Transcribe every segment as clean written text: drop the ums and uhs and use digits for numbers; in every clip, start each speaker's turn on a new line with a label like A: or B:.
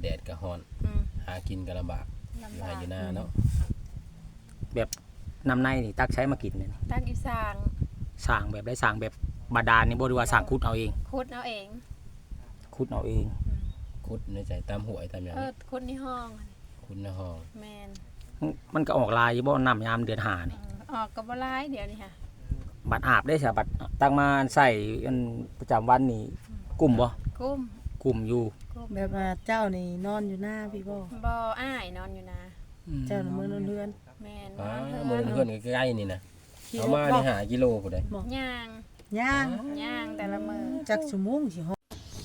A: แดดก็ร้อนหากินก็ลำบากอยู่ไร่อยู่นาเนาะ
B: แบบน้ำในนี่ตักใช้มากินเนี่ย
C: ตั้งอีสาง
B: สร้างแบบได้สร้างแบบบาดาลนี่บ่ได้ว่าสร้างขุดเอาเอง
C: ขุดเอาเอง
B: ขุดเอาเอง
A: ขุดในใจตามห้วยตามหยัง
C: ขุดในห้อง
A: ขุดในห้อง
C: แมน
B: มันก็ออกลายอยู่บ่น้ำยามเดือน5นี่
C: ออกกับบ่ร้ายเดี๋ยวนี้ค่ะ
B: บัดอาบได้ใช่บัดตั้งมาใส่อันประจำวันนี่กลุ่มบ่
C: กุ้ม
B: กลุ่มอยู่
D: แบบว่าเจ้านี่นอนอยู่หน้าพี่บ่
C: บ่อ้ายนอนอยู่นะ
D: เจ้าน่ะมื้อนอนเรือน
C: แมน
A: อ๋
C: น
A: อ
C: อน
A: มื้อ
C: เพื่
A: เพิ่
C: อน
A: นใกล้ๆนี่นะเอามานี่5กิโลพุ่นเด้
C: ย่าง
D: ย่าง
C: ย่างแต่ละมื้อ
D: จักชั่วโมงสิฮอด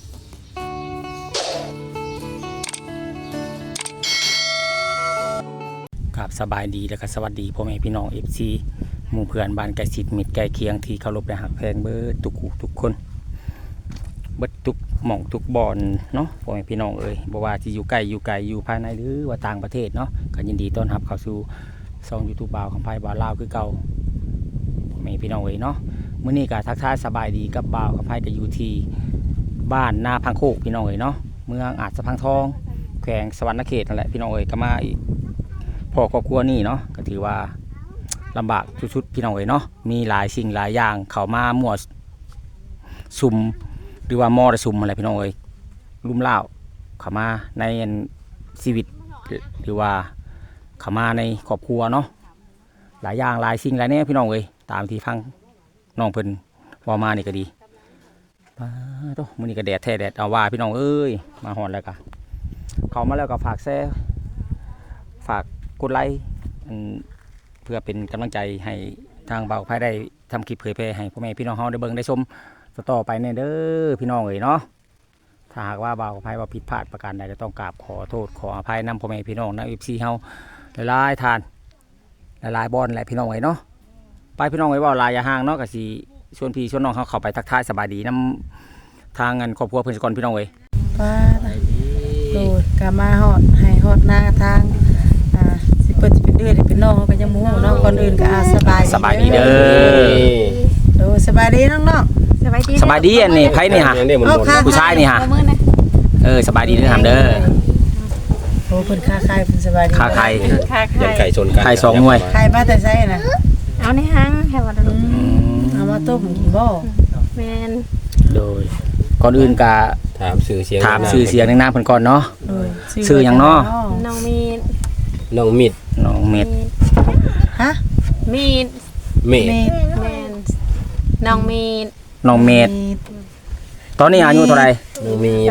B: ครับสบายดีแล้วก็สวัสดีพ่อแม่พี่น้อง FC หมู่เพื่อนบ้านใกล้ชิดมิตรใกล้เคียงที่เคารพและฮักแพงเบิดทุกคนเบิดทุกหม่องทุกบ่อนเนาะพ่อแม่พี่น้องเอ้ยบ่ว่าสิอยู่ใกล้อยู่ไกลอยู่ภายในหรือว่าต่างประเทศเนาะก็ยินดีต้อนรับเข้าสู่ช่อง YouTube บ่าวคำไผบ่าวลาวคือเก่าพ่อแม่พี่น้องเอ้ยเนาะมื้อนี้ก็ทักทายสบายดีกับบ่าวคำไผก็อยู่ที่บ้านนาพังโคกพี่น้องเอ้ยเนาะเมืองอาจสะพังทองแขวงสวรรณเขตนั่นแหละพี่น้องเอ้ยก็มาอีกพ่อครอบครัวนี่เนาะก็ถือว่าลำบากชุดๆพี่น้องเอ้ยเนาะมีหลายสิ่งหลายอย่างเข้ามามั่วสุมหรือว่ามอระสุมอะไรพี่น้องเอ้ยลุ่มเล่าเข้ามาในชีวิตหรือว่าเข้ามาในครอบครัวเนาะหลายอย่างหลายสิ่งหลายแน่พี่น้องเอ้ยตามที่ฟังน้องเพิ่นว่ามานี่ก็ดีโตมื้อนี้ก็แดดแท้แดดเอาว่าพี่น้องเอ้ยมาฮอดแล้วก็เข้ามาแล้วก็ฝากแชร์ฝากกดไลค์เพื่อเป็นกำลังใจให้ทางเบาไพ่ได้ทำคลิปเผยแพร่ให้พ่อแม่พี่น้องเฮาได้เบิ่งได้ชมต่อไปเนี่ยเด้อพี่น้องเอ๋ยเนาะถ้าหากว่าเบาไพ่ว่าผิดพลาดประการใดก็ต้องกราบขอโทษขออภัยนำพ่อแม่พี่น้องนะFCเฮาหลายๆทานหลายๆบอลหลายพี่น้องเอ๋ยเนาะไปพี่น้องเอ๋ยว่าลายอย่าห่างเนาะก็สิชวนพี่ชวนน้องเฮาเข้าไปทักทายสบายดีนำทางเงินครอบครัวเพิ่นสก่อนพี่น้องเอ๋ย
D: ป้าโดดก็มาฮอดให้ฮอดหน้าทางสิเปิดสิเป็นเดือนเป็นน้องก็ยังบ่ฮู้เนาะก่อนอื่นก็สบายดีเด้อโดสบายดีน้องๆ
C: สบายดี
B: สบายดีอันนี้ไพ่นี่ฮะผู้ชายนี่ฮะ
C: มื้อนะ
B: สบายดีเด้อทำเด้อ
D: โอ้เพิ่นค้าขายเพิ่นสบายดี
B: ค้าไข่
C: ค่ะ
A: ยันไก่ชนกัน
B: ไข่สองหน่วย
D: ขายมาแต่ไสน่ะ
C: เอาในห้างให้ว่า
D: เอามาต้มกินบ่
C: แมน
B: โดยก่อนอื่นก็
A: ถามชื่อเสียง
B: ถามชื่อเสียงในนามเพิ่นก่อนเนาะ
D: โดย
B: ชื่อหยังเนาะ
C: น้องมีด
A: น้องมิด
B: น้องเม็ด
D: ฮะ
C: มีด
A: เมด
D: เมด
C: แมนน้องมีด
B: น้องเม็ดตอนนี้อายุเท่าไหร่
A: น้องมีด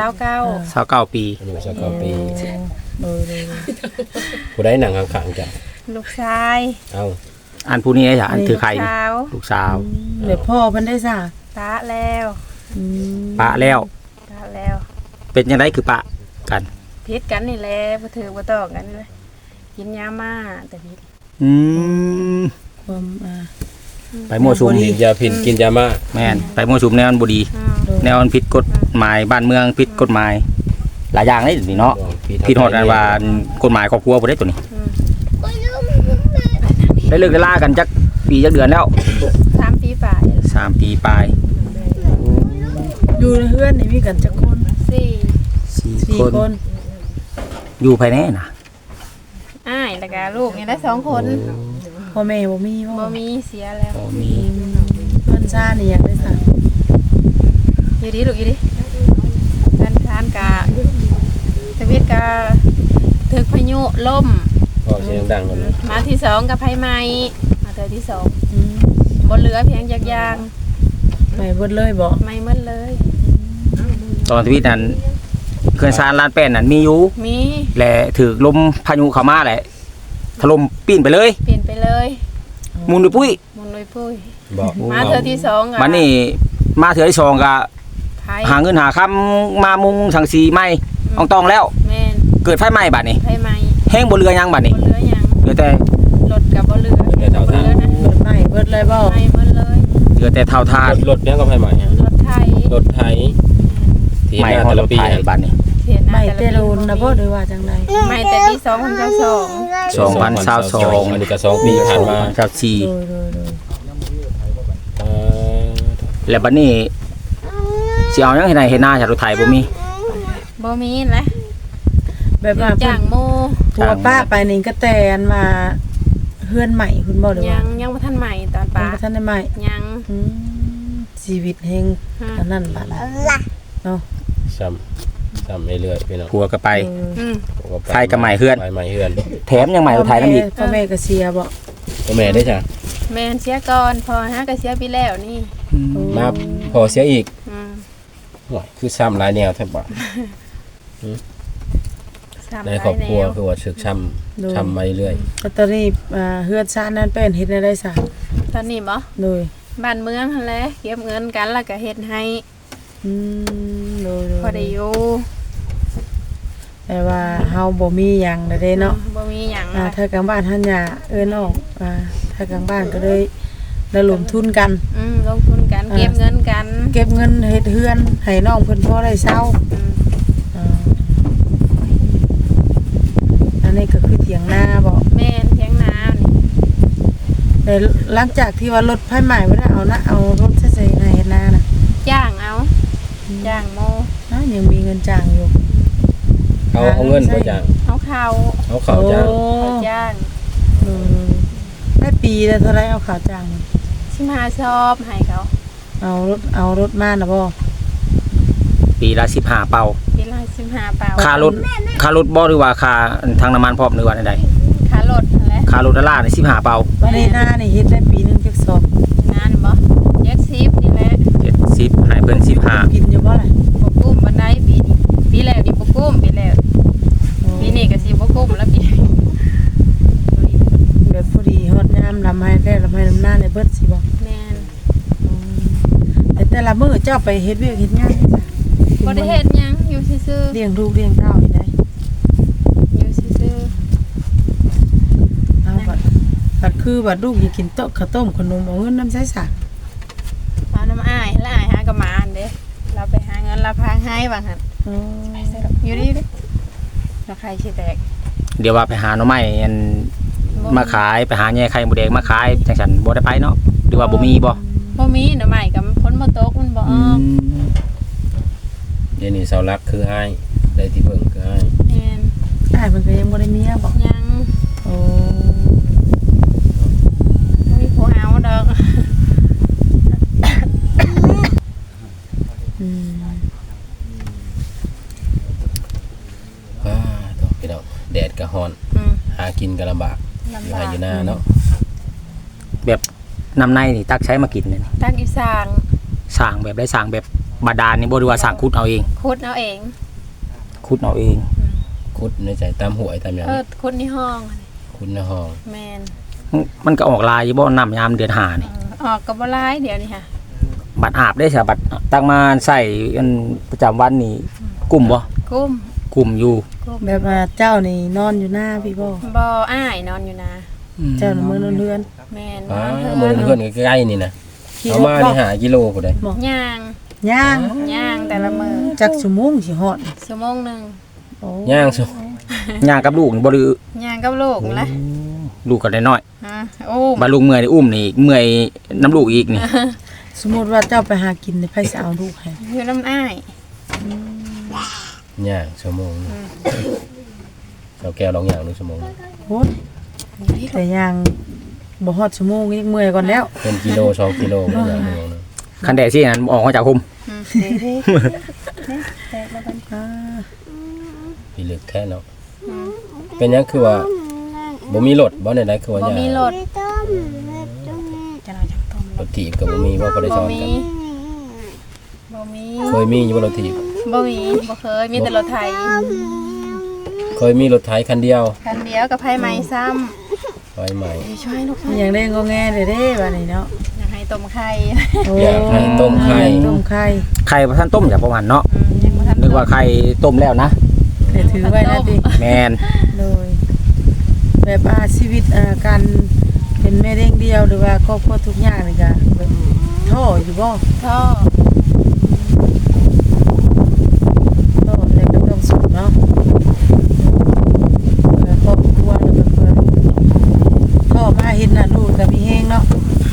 B: 29ปี
A: อายุ29ปี
D: โดย
A: ผู้ใดหนังข้างๆจ้ะ
C: ลูกชาย
A: เอา
B: อันผู้นี้จ้ะอันถือไข่
C: สาว
B: ลูกสาว
D: เดี๋ยวพ่อเพิ่นได้ซะ
C: ตาแล้ว
B: ปะแล้ว
C: ตาแล้ว
B: เป็นจังไดคือปะกัน
C: พิษกันนี่แหละบ่ถือบ่ตอกกันเลยกินยามาแต่พิษ
B: อืม
D: ความ
B: ไปมั่วสุม
A: กินยาพิษกินยามา
B: แม่นไปมั่วสุมแนวมันบ่ดีแนวมันผิดกฎหมายบ้านเมืองผิดกฎหมายหลายอย่างเลยนี่เนาะผิดฮอดอันว่ากฎหมายครอบครัวบ่ได้ตัวนี้ได้เลิกได้ลากันจักปีจักเดือนแล้ว
C: 3 ปีป่าย
B: 3 ปีปลาย
D: อยู่ในเฮือนนี่มีกันจักคน
C: 4
B: 4
D: 4 คน
B: อยู่ภายในน่ะ
C: อ้ายแล้วก็ลูกนี่ได้2 คน
D: พ่อแม่บ่มี
C: บ่มีเสียแล้ว
B: บ่มี
D: เพิ่นซ่านี่อยากได้ซะ
C: อยู่ดีลูกอยู่ดีกันทานกะตะวิทย์กะถึกพายุล่ม
A: บอกเสียงดังก่อนนะ
C: มาที่2กับไผไหม้มาเทื่อที่2บ่เหลือเพียงจักอย่าง
D: ไม่เบิดเลยบ่
C: ไหม้หมดเลย
B: ตอนทวีตนั้นเขื่อนซานลานแป้นนั้นมีอยู่
C: มี
B: และถือลมพายุเข้ามาแหละถล่มปีนไปเลย
C: เปลี่ยนไปเลย
B: มุนด้วยปุ้ย
C: มุนลอยปุ้ย
A: บอก
C: มาเทื่อที่2อ่ะ
B: มันนี่มาเถื่อที่สองก็
C: ไผ
B: หาเงินหาคำมามุงสังสีไหม้อองตองแล้ว
C: แม่น
B: เกิดไฟไหม้บัดนี้
C: ไผไหม้
B: แห้งบ่เรือยังบัดนี้
C: บ่เหลือหยัง
B: เหลือแต่
C: รถก็บ่เหลือบ่เหลือนะ
D: เบิดไม่เบิดเลยบ่
C: ไหม้หมดเลย
B: เหลือแต่เท่าทาน
A: รถเนี้ยก็ไฟใหม่
C: รถไทย
A: รถไถที่
B: ไหม้
A: หน้า
B: ฮอด
A: แต่
B: ร
A: ละ
B: ถ
A: ปี
B: ไทยบัดนี้
C: เสียหน้า
D: ไม่
C: แต่
D: เต
C: ละ
D: โล
C: ปี
D: นนะบ่หรือว่าจังได๋
C: ไหม้แต่ปี2022
B: 2022
A: อันนี้ก็2 ปีผ่านมา
B: ครับสี่
D: โดย
A: เอ่อ
B: แล้วบัดนี้สิเอาหยังให้ได้เฮ็ดนาจากรถไทยบ่มี
C: บ่มีนะ
D: แบบว่า
C: จ้างโม
D: ผัวป้าไปนี่ก็แต่อันมาเฮือนใหม่คุณบ่หรือ
C: ยั
D: ว่าง
C: ยังบ่ทันใหม่ตอนปลา
D: ยังบ่ทันได้ใหม่
C: ยัง
D: ชีวิตแห่งอันนั้นบาดเนาะ
A: ซ้ำเรื่อยๆพี่น้อง
B: ผัวก็ไป
C: อืม
B: ไทยกับใหม่เฮือน
A: ไปใหม่เฮือน
B: แถมยังใหม่อุทัยน้ำอีก
D: พ่อแม่ก็เสียบ่
A: พ่อแม่ได้จ้ะ
C: แม่นเสียก่อนพอหาก็เสียไปแล้วนี่
A: มาพอเสียอีก
C: อืม
A: โอ้ยคือซ้ำหลายแนวแทบบ่
C: ซ้ำ
A: ใน
C: หลาย
A: ครอบครัว
C: แนว
A: คือว่าสึกช้ำมาเรื่อย
D: แล้วตอนนี้เฮือนซ่านนั้นเป็นเฮ็ดได้ซะ
C: ตอนนี้บ่
D: โดย
C: บ้านเมืองหั่นแหละเก็บเงินกันแล้วก็เฮ็ดให้
D: โดย
C: พอได้อยู่
D: แต่ว่าเฮาบ่มีหยังได้เนาะ
C: บ่มีหยัง
D: ถ้ากลางบ้านท่านอย่าเอิ้นออกถ้ากลางบ้านก็เลยระดมทุนกัน
C: ลงทุนกันเก็บเงินกัน
D: เก็บเงินเฮ็ดเฮือนให้น้องเพิ่นพอได้เช้า
C: อืม
D: อันนี้ก็คือเถียงนาบ่
C: แม่นเถียงนานี่
D: แต่หลังจากที่ว่ารถไฟใหม่บ่ได้เอารถใส่ให้เฮ็ดนาน่ะ
C: จ้างเอาจ้างโม
D: ยังมีเงินจ้างอยู่
A: ๆเอาเงินบ่จ้าง
C: เอาข้าว
A: เอาข้าวจ้าง
C: เขาจ้าง
D: ได้ปีละเท่าไรเอาข่าวจ้าง
C: 15ชอบให้เขา
D: เอารถมาน่ะบ่
B: ปีละ15เป่า
C: ปีละ15เปล่า
B: ค่ารถบ่หรือว่าค่าทางน้ำมันพร้อมหรือว่าใด
C: ค่ารถนั่นแหละ
B: ๆค่ารถดอลลาร์นี่15เป่า
D: วันนี้หน้านี่เฮ็ดได้ปีนึงจักสอบ
C: งานบ่แยกซิปนี่แหละ
B: 70ให้เพิ่น15
D: กินอยู่บ่ล่ะ
C: บ่กุ้มบันไดปีนี้ปีแรกนี่บ่กุ้มปีแรกปีนี้ก็สิบ่กุ้มแล้วปี
D: แบบพอดีฮอดยามลำให้ได้ลำให้ลำหน้าในเบิดสิบ่
C: แม่น
D: แต่ละมื้อเจ้าไปเฮ็ดเวียกเฮ็ดงานจ้ะ
C: บ่ได้เฮ็ดหยังอยู่ซื่อ
D: เลี้ยงลูกเลี้ยงเต้านี่ได้
C: ๆอยู่ซื่อ
D: เอาบัดคือบัดลูกอยากกินโต๊ะข้าวต้มขนมเอาเงินนำใช้ซะ
C: ๆเอาน้ำอ้ายแล้วอ้ายหากับหมาอันเด้เราไปหาเงินเราพาให้ว่าหั่นอยู่นี่เด้แล้วใครสิแตก
B: เดี๋ยวว่าไปหาหน่อไม้อัน
C: บ่
B: มาขายไปหาแย่ไข่หมูแดงมาขายจังซั่นบ่ได้ไปเนาะหรือว่าบ่มีบ่
C: บ่มีหน่อไม้กับฝนบ่ตกมันบ่ออก
A: เดี๋ยวนี้เสาหลักคืออ้ายได้ที่เพิ่งคืออ้าย
C: แม่น
D: อ้ายเพิ่นก็ยังบ่ได้เมียบ่
C: ยัง
D: โอ้
C: บ่มีผู้เอาดอก
D: อืม
A: ต้องพี่น้องแดดก็ร้อน
C: อืม
A: หากินก็ลำบากอยู่
C: ลำบา
A: ให้
C: ก
A: อยู่หน้าเนาะ
B: แบบน้ำในนี่ตักใช้มากินเนี่ย
C: ตักอีสาง
B: สร้างแบบได้สร้างแบบบาดาลนี่บ่หรือว่าสร้างขุดเอาเอง
C: ขุดเอาเอง
B: ขุดเอาเอง
A: คุดในใจตามหวยตามหยัง
C: ขุดในห้องอันนี้
A: คุดในห้อง
C: แม่น
B: มันก็ออกลายอยู่บ่น้ำยามเดือนห้านี่
C: ออกก็บ่หลายเดี๋ยวนี้ค่ะ
B: บัตรอาบได้ใช่บัตรตั้งมาใส่อันประจำวันนี่กลุ่มบ่
C: กุ้ม
B: กลุ่มอยู่
D: แบบว่าเจ้านี่นอนอยู่หน้าพี่บ่
C: บ่อ้ายนอนอยู่นะ
D: เจ้าน่ะมื้อนอนเรือน
C: แม่น
A: หมู่เพื่อนใกล้ๆนี่นะ
D: ขี่
A: เอา
D: รถ
A: มา
D: บ่
A: นี่หากิโลผู้ใด
C: ย่าง
D: ย่าง
C: ย่างแต่ละมื้อ
D: จักชั่วโมงสิฮอด
C: ชั่วโมงหนึง
D: โอ้
A: ย่างสุ
B: ย่างกับลูกนี่บ่หรือย่าง
C: กับลูกนั่นแหละ
B: ลูกก็ได้น้อย
C: ฮะโอ้
B: บาลูกเมื่อยนี่อุ้มนี่เมื่อยน้ำลูกอีกนี่
D: สมมุติว่าเจ้าไปหากินนี่ไผสิเอาลูกให้
C: อยู่น้ำอ้าย
A: ย่างชั่วโมงหนึ่งเจ้าแก้วลองย่างหนึ่งชั่วโมง
D: โหดแต่ย่างบ่ฮอดชั่วโมงยังเมื่อยก่อนแล้ว
A: เป็นกิโล2กิโลก็ย่างชั่วโมงหนึง
B: คันแดดสินั้นออกมาจากคุม
C: เด้แตกแล้วกัน
A: พี่ลึกแท้เนาะเป็นหยังคือว่าบ่มีรถบ่ได้คือว่า
C: บ่
A: ย่าง
C: มีรถจะนอนจังต้ม
A: รถถีบก็บ่มีว่าบ่ได้
C: บ่
A: ซ้อน
C: มี
A: กัน
C: บ่มี
A: เคยมีอยู่บ่รถถีบ
C: บ่มีบ่เคยมีแต่รถไถ
A: เคยมีรถไถคันเดียว
C: คันเดียวกับไผไหม้ซ้ำ
A: ไฟใหม่
C: ช่วยลูก
D: อย่างได้งอแงเด้บัดนี้เนาะ
C: อยากให้ต้มไข่
D: โอ้
A: อยากให้ต้มไข่
D: ต้มไข่
B: ไข่พระท่านต้มจากประมาณเนาะ
C: ยังบ่ทัน
B: นึกว่าไข่ต้มแล้วนะ
D: แต่ถือไว้นะติ
B: แมน
D: โดยแบบชีวิตการเป็นแม่เลี้ยงเดียวหรือว่าครอบครัวทุกอย่างนี่ก็แบบท้ออยู่บ่
C: ท่อ
D: ท้อแต่ก็ต้องสู้เนาะเพื่อครอบครัวแล้วก็เพื่อลูกท้อมาเห็นหน้าลูกก็มีแฮงเนาะ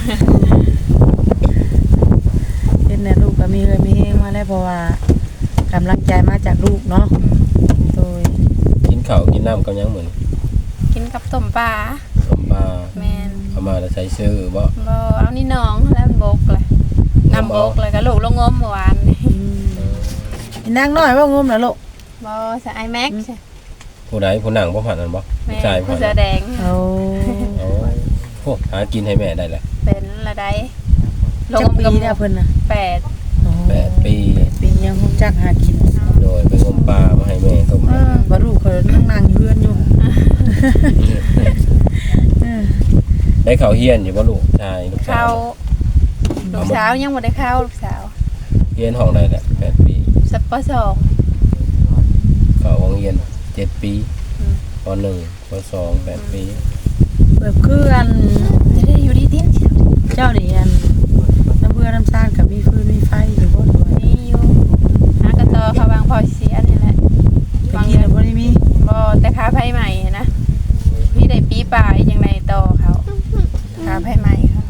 D: เห็นหน้าลูกก็มีเลยมีแฮงมาแล้วเพราะว่ากำลังใจมาจากลูกเนาะโดย
A: กินข้าวน้ำกับหยังเหมือน
C: กินกับต้มปลา
A: ต้มปลา
C: แม่น
A: เอามาแล้วใช้ซื้อบ่
C: บ่เอานี่น้องแล้วมันบกเลยน้ำบกเลยก็ลูกลงงมเมื่อวานนี่
D: อีนางน้อยว่างมน่ะลูก
C: บ่ใส่ไอแม็กใช่
A: ผู้ใดผู้หนังบ่ผ่านนั่นบ่
C: แม่
A: ผู้ชาย
C: ผู้
A: ผ่าน
C: เสื้อแดง
D: เอา
A: โอ้โหหากินให้แม่ได้แหละ
C: เป็นละได้ลง
D: จัก
C: งม
D: ปี
C: กับ
D: เนี่ยเพิ่นน่ะ
C: 8
D: อ๋อ
A: 8 ปี
D: ปียังคงจักหากิน
A: โดยไปงมปลามาให้แม่ต้ม
D: บ่ลูกเขานั่งอยู่เฮือนอยู่
A: ได้ข้าวเฮียนอยู่บ่ลูกชายลูกสา
C: เข้าว ลูกสาวยังบ่ได้เข้าลูกสาว
A: เฮียนห้องได้แหละ8 ปี
C: สัปปะสอง
A: เข้าโรงเรียน7 ปี
C: อืม
A: ป .1 ป .2 8 ปี
D: แบบคืออัน
C: จะได้อยู่ดีเตี้ย
D: เจ้านี่อันน้ำเบื่อน้ำซ่านกับมีฟืนมีไฟอยู่บ่ด้วย
C: นี่อยู่หากระตอเขาวางพอเสียนี่แหละ
D: ตะกี้น่ะบ่ได้มี
C: บ่แต่ค้าไผใหม่นะพี่ได้ปีปลายจังไดต่อเขาค้าไผใหม่เขา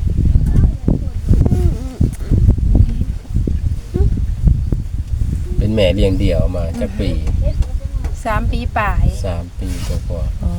A: เป็นแม่เลี้ยงเดี่ยวมาจากปี
C: 3 ปีปลาย
A: 3 ปีกว่า
D: อ๋อ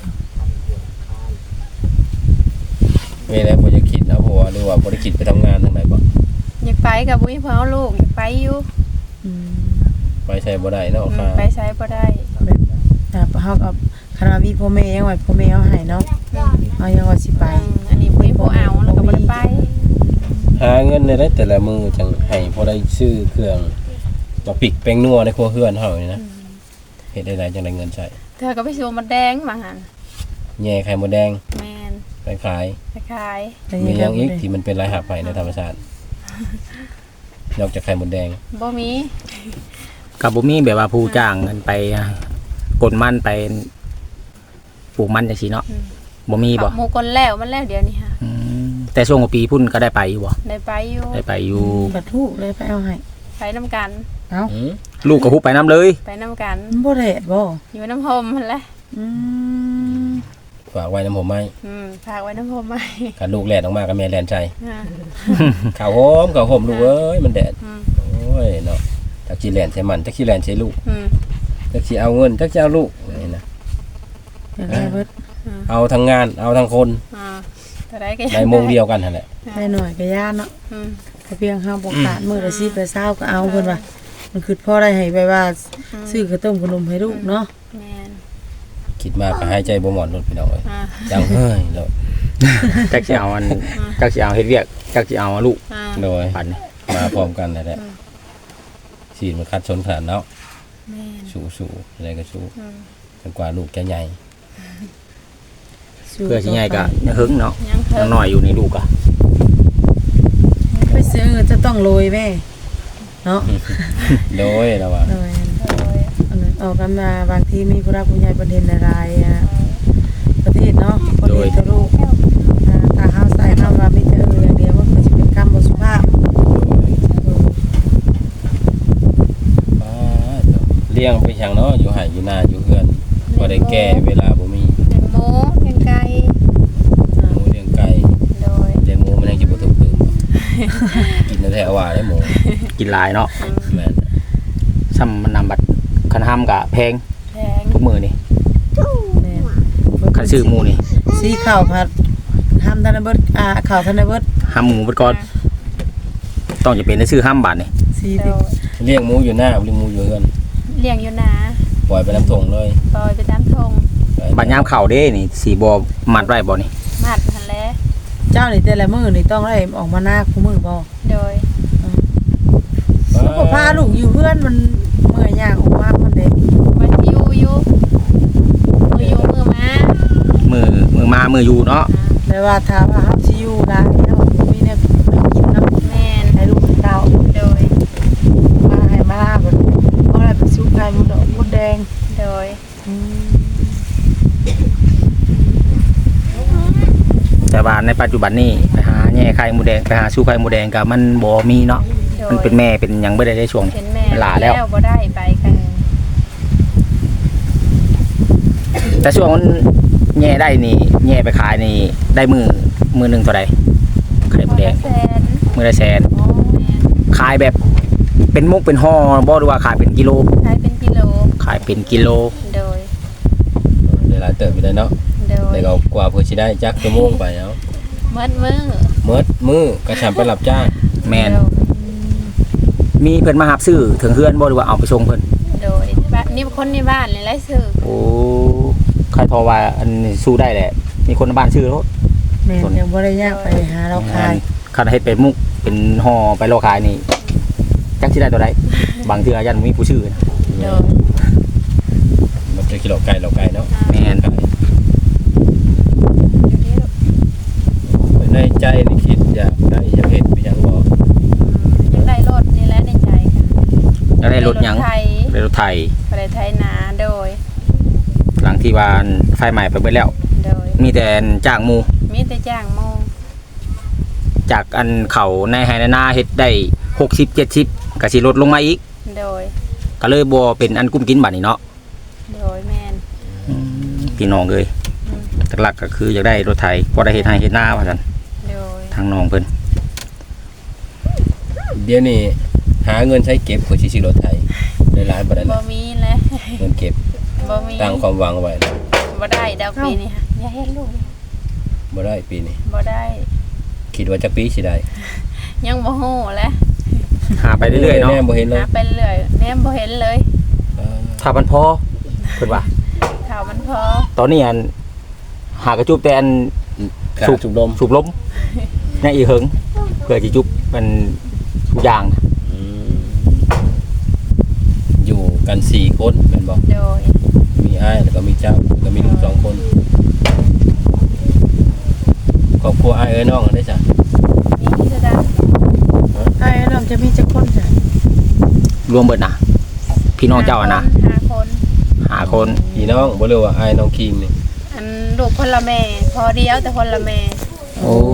A: ๆแม่แล้วบ่จะคิดนะเพราะว่าหรือว่าบ่ได้คิดไปทำงานทางไหนบ่
C: อยากไปกับบุ้ยเพิ่นเอาลูกอยากไปอยู่
D: อืม
A: ไปใช้บ่ได้เนาะค่ะ
C: ไปใช้บ่ได้
D: แบบเฮากับคณะมีพ่อแม่ยังไว้พ่อแม่เอาให้เนาะเอายังว่าสิไป
C: อันนี้บุ้ยบ่เอาแล้วก็บ่ได้ไป
A: หาเงินได้แต่ละมื้อจังให้พอได้ซื้อเครื่องมาปิกแป้งนัวในครัวเรือนเฮานี่นะเฮ็ดได้จังได้เงินใช้
C: เธอก็ไปซื้อมดแดงมาหั่น
A: แย่ไข่มดแดง
C: แม่น
A: ไปขาย
C: ไปขาย
D: แต่
A: มี
D: ยัง
A: หยังอีก
D: ได้
A: ที่มันเป็นรายหับไปในธรรมชาตินอกจากไข่มดแดง
C: บ่มี
B: กับบ่มีแบบว่าผู้จ้างกันไปกดมันไปปลูกมันจังซี่เนาะบ่มีบ่
C: หมู่คนแล้วมันแล้วเดี๋ยวนี้ค่ะ
B: อืมแต่ช่วงกว่าปีพุ่นก็ได้ไปอยู่บ่
C: ได้ไปอยู่
B: ได้ไปอยู่
D: บัดทุกเลยไปเอาให้
C: ไปนํกัน
D: เอ้า
A: อืม
B: ลูกกับฮุบไปน้ำเลย
C: ไปนํกัน
D: มันบ่แดดบ่
C: อยู่น้ำพมหั่นแหละ
D: อืม
A: ฝากไว้น้ำผมไหม
C: ฝากไว้น้ำพมไว้
A: กันลูกแล่นออกมากับแม่แล่นใจ
C: อ่า
A: ข้าวหอมลูกเอ้ยมันแดด
C: อืม
A: โอ้ยเนาะจักสิแล่นใส่มันจักสิแล่นใส่ลูก
C: อืม
A: จักสิเอาเงินจักสิเอาลูกนี่นะ
D: อยากได้เบิด
A: เอาทั้งงานเอาทั้งคน
C: อ่าแต่ได้ก็
A: ในโมงเดียวกันนั่นแหละ
D: ได้หน่อยก็ย่านเนาะ
C: อืม
D: ก็เพียงเฮาบ่ขาดมื้อละ10ละ20ก็เอาเพิ่นว่ามันคือพอได้ให้ไปว่าซื้อข้าวต้มขนมให้ลูกเนาะ
C: แม่น
A: คิดมากก็หายใจบ่หมอนรถพี่น้องเอ้ย
C: อ่า
A: จังเฮ้ยแล้ว
B: จักสิเอาอันจักสิเอาเฮ็ดเวียกจักสิเอาลูก
C: อ่า
A: โดย
B: ปันนี่
A: มาพร้อมกันนั่นแหละสีมันคัดชนขนาดแล้ว
C: แม่น
A: สู้อะไรก็สู้
C: อืม
A: จนกว่าลูกจะใหญ่
B: เพื่อสิใหญ่ก็ยังหึงเนาะ
C: ยังเพิ่
B: ยังน้อยอยู่ในลูกอ่ะ
D: ไปซื้อจะต้องโรยแม่เนาะ
A: โดยแล้วว่า
D: โดยอันนั้นออกกันมาบางทีมีผู้รักผู้ใหญ่ประเด็นอะไรประเทศเนาะประเทศตะลูกถ้าเฮาใส่คำว่ามีแต่อย่างเดียวมันก็จะเป็นคำบ่สุภาพ
A: ป้าเจ้าเลี้ยงไปช่างเนาะอยู่ไห่อยู่นาอยู่เฮือนบ่ได้แก่เวลาบ่มี
C: เลี้ยงหมูเลี้ยงไก่
A: หมูเลี้ยงไก่
C: โดย
A: เลี้ยงหมูมันยังสิบ่ถูกตื่นบ่กินแท้ๆว่าได้หมู
B: กินหลายเนาะ
A: แม่น
B: ซ้ำมันนำบัตรคันห้ำกะแพง
C: แพง
B: ทุกมื้อนี่
D: แม่น
B: คันซื้อหมูนี่
D: สีข้าวผัดห้ามทันได้เบิดข้าวทันได้เบิด
B: ห้ำหมูเบิดก่อนต้องจะเป็นได้ซื้อห้ำบาทนี่
D: สี
C: โด
D: ที่
C: ย
A: เลี้ยงหมูอยู่หน้าเลี้ยงหมูอยู่เฮือน
C: เลี้ยงอยู่นา
A: ปล่อยไปน้ำทงเลย
C: ปล่อยไปตามทง
B: บัดยามเข้าเด้นี่สีบ่มัดไว้บ่นี่
C: มัดหันแหล้ว
D: เจ้านี่แต่ละมื้อนี่ต้องได้ออกมาหน้าคู่มื้อบ่
C: โดย
D: ลูกก็พาลูกอยู่เพื่อนมันเมื่อยยากออกมามันเด็ก
C: วันอยู่มืออยู่มือมา
B: มือมามืออยู่เนาะ
D: แต่ว่าถ้าว่าเฮาสิอยู่ได้เนาะมีแนวกินเนาะ
C: แม่น
D: ให้ลูกเต้า
C: โดย
D: มาให้มาลาบ่เอาอะไรไปซุปไก่มดดอกมดแดง
C: โดย
B: แต่ว่าในปัจจุบันนี้ไปหาแย่ไข่หมูแดงไปหาสู้ไข่หมูแดงก็มันบ่มีเนาะ
C: โดย
B: มันเป็นแม่เป็นหยังบ่ได้ในช่วงนี้
C: เป็นแม่
B: มันหลาแล้ว
C: บ่ได้ไปกัน
B: แต่ช่วงมันแย่ได้นี่แย่ไปขายนี่ได้มือหนึงเท่าใดไข่หมูแดง
C: แสน
B: มือละแสน
C: แม่น
B: ขายแบบเป็นมุกเป็นห่อบ่หรือว่าขายเป็นกิโล
C: ขายเป็นกิโล
B: ขายเป็นกิโล
C: โดย
A: หลายเติบอยู่ได้เนาะ
C: โดย
A: แล้วก็กว่าเพื่อสิได้จักชั่วโมงไปเอา
C: มืดมือ
A: มื้อก็ทำไปรับจ้าง
B: แม่นมีเพิ่นมารับซื้อถึงเฮือนบ่หรือว่าเอาไปส่งเพิ่น
C: โดยบ้านนี่คนในบ้านเลยไล่ซื้อ
B: โอ้ใครทอว่าอันนี้สู้ได้แหละมีคนในบ้านซื้อแล้ว
D: แม่นยังบ่ได้ยากไปหาเราขาย
B: คันเฮ็ดเป็นมุกเป็นห่อไปโลขายนี่จักสิได้ตัวใดบางเทื่อยันบ่มีผู้ซื้อนะ
C: โดย
A: มันจะกิโลไก่เนาะ
B: แม่น
C: อยู่ที่ลูก
A: ในใจนี่คิดอยากได้อยากเฮ็ดไปหยังบ่
C: ยังได้รถนี่แหละในใจค่ะ
B: แล้วได้รถหยัง
C: ไทย
B: ได้รถไถ
C: ไปไทยนาโดย
B: หลังที่ว่าไฟใหม่ไปเบิดแล้ว
C: โดย
B: มีแต่จ้างหมู่
C: มีแต่จ้างโมง
B: จากอันเขาในไฮนาเฮ็ดได้60 70ก็สิลดลงมาอีก
C: โดย
B: ก็เลยบ่เป็นอันกุ้มกินบัดนี้เนาะ
C: โดยแม่น
B: พี่น้องเอ้ยหลักๆก็คืออยากได้รถไถพอได้เฮ็ดให้เฮ็ดนาว่าซั่น
C: โดย
B: ทางน้องเพิ่น
A: เดี๋ยวนี้หาเงินใช้เก็บเพื่อสิซื้อรถไถได้หลายบ่ได้
C: บ่
A: แล้ว
C: มีแล้ว
A: เงินเก็บ
C: บ่มี
A: ตั้งความหวังไว้แล้ว
C: บ่ได้ดาวปีนี้ค่ะอย่าเฮ็ดลูก
A: บ่ได้ปีนี้
C: บ่ได้
A: คิดว่าจักปีสิได้
C: ยังบ่ฮู้แหละ
B: หาไปเรื่อยๆเนาะ
A: แน่บ่เห็นเลย
C: หาไปเรื่อยแนมบ่เห็นเลย
B: ถ้ามันพอเพิ่นว่า
C: ข่าวมันพอ
B: ตอนนี้อันหากระจุบแต่อัน
A: สูบลม
B: สูบลมในอีเหิงเพื่อสิจุบมันทุกอย่างนะ
A: อยู่กัน4คนแม่นบ่
C: โดย
A: มีอ้ายแล้วก็มีเจ้าแล้วก็มีลูก2คนครอบครัวอ้ายเอ้ยน้องได้จ้ะ
C: มีกิจการ
D: ไอ้น้องจะมีจักคนจ้ะ
B: รวมเบิดนะพี่น้องเจ้าอะนะ
C: 5 คน
B: หาคน
A: พี่น้องบ่รู้ว่าอ้ายน้องคิงนี่
C: อันลูกคนละแม่พอเดียวแต่คนละแม่
B: โอ้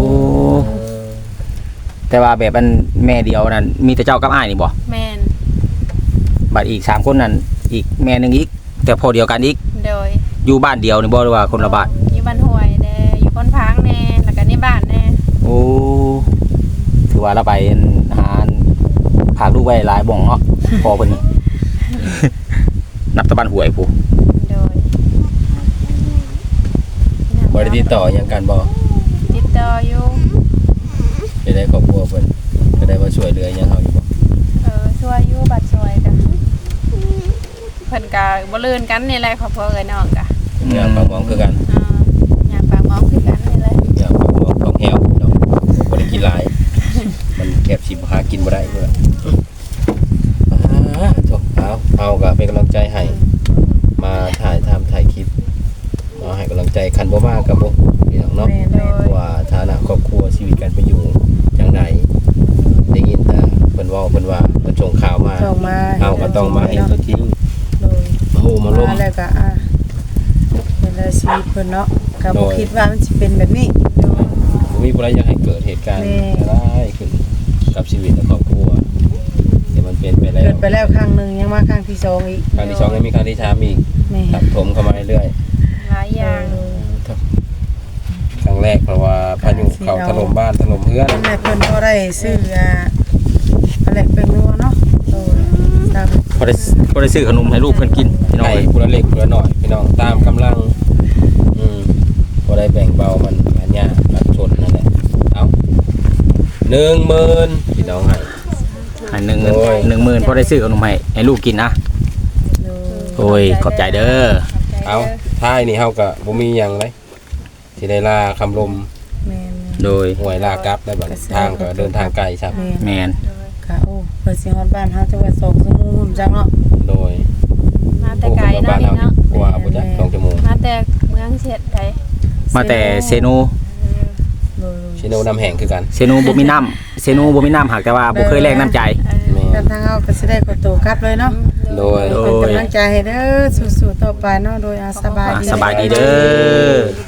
B: แต่ว่าแบบอันแม่เดียวนั่นมีแต่เจ้ากับอ้ายนี่บ่
C: แม่น
B: บัดอีก3คนนั่นอีกแม่หนึงอีก แต่พอเดียวกันอีก
C: โดย
B: อยู่บ้านเดียวนี่บ่หรือว่าคนละบ้าน
C: อยู่บ้านห้วยแน่อยู่คนพังแน่แล้วก็นี่บ้านแน่
B: โอ้ถือว่าเราไปหาพาลูกไว้หลายบ่องเนาะพอเพิ่นนี่ นับตะบันหวยผู้
C: โดย
A: บ่ได้ติดต่อหยังกันบ่
C: ติดต่ออยู่
A: จะได้ครอบครัวเพิ่นก็ได้มาช่วยเหลือหยังเฮาอยู่บ่
C: ช่วยอยู่บัดช่วยกันเพิ่นก็บ่ลื่นกันนี่แหละครอบครัวเอ้ยน้องก็
A: งานปากหมองคือกัน
C: อยากปากหมองคือกันนี่แหละ
A: งานปากหมองของแฮวเนาะบ่ได้กินหลาย มันแคบสิบ่หากินบ่ได้พุ่นล่ะจบเอาก็เป็นกำลังใจให้มาถ่ายคลิปมาให้กำลังใจคันบ่มาก็บ่พี่น้องเนาะ
D: แม่น
C: โดย
A: ว่าฐานะครอบครัวชีวิตการเป็นอยู่จังไดได้ยินแต่เพิ่นเว้าเพิ่นว่าเพิ่นส่งข่าวมา
D: ส่งมา
A: เอาก็ต้องมาเห็นตัวจริง
D: โดย
A: โอ้มาล้ม
D: แล้วก็เป็นอาชีพเพิ่นเนาะก็
A: โด
D: บ่
A: ย
D: คิดว่ามันสิเป็นแบบนี้
A: บ่มีผู้ใดอยากให้เกิดเหตุการณ์
D: แม่
A: ร้ายขึ้นกับชีวิตและครอบครัวที่มันเป็นไปแล้
D: เกิ
A: ว
D: ดไปแล้วครั้งหนึงยังมาครั้งที่2อีก
A: ครั้งที่2ยังมีครั้งที่3อีก
D: แม่
A: ทับถมเข้ามาเรื่อย
C: หลายอย่าง
A: ๆครั้งแรกเพราะว่าพายุเข้าถล่มบ้านถล่มเรือน
D: แม่เพิ่นก็ได้ซื้ออะไรเป็นนัวเนาะโดยตาม
B: พอได้ซื้อขนมให้ลูกเพิ่นกินพี่น้อง
A: ให้
B: เอ้ย
A: ผู้ละเล็กผู้ละน้อยพี่น้องตามกำลังบ่ได้แบ่งเบามันอันยากอันชนนั่นแหละเอา10,000พี่น้องให้
B: ให้หนึ่ง
A: โอ้ย
B: 10,000พอได้ซื้อขนมให้ลูกกินนะ
D: โดย
B: โอ้ยขอบใจเด้อ
A: เอาท้ายนี่เฮาก็บ่มีหยังเลยสิได้ลาคำลม
D: แม่น
B: โดย
A: หวยลากลับได้บัดทางก็เดินทางไกลครับ
D: แม่น
B: แมน
D: ค่ะโอ้เปิดเสียงฮอดบ้านเฮาจังหวัด2ชั่วโมงหุ่นจังเนาะ
A: โดย
C: มาแต่ไกล
A: บ้า
C: เนาะ
A: นเฮา
C: นี่เนาะ
A: กว่าบ่จัก2ชั่วโมง
C: มาแต่เมืองเสียดใด
B: มาแต่เซโน
D: โดย
A: ชิโนน้ำแห้งคือกัน
B: เซโนบ่มีน้ำเซโนบ่มีน้ำหากแต่ว่าบ่เคยแลกน้ำใจ
A: แม่
D: กันทางเฮาก็สิได้ขอตัวกลับเลยเนาะ
A: โดย
B: โด
D: เป็นกำลังใจให้เด้อสู้ๆต่อไปเนาะโดยอาสบายดี
B: สบายดีเด้อ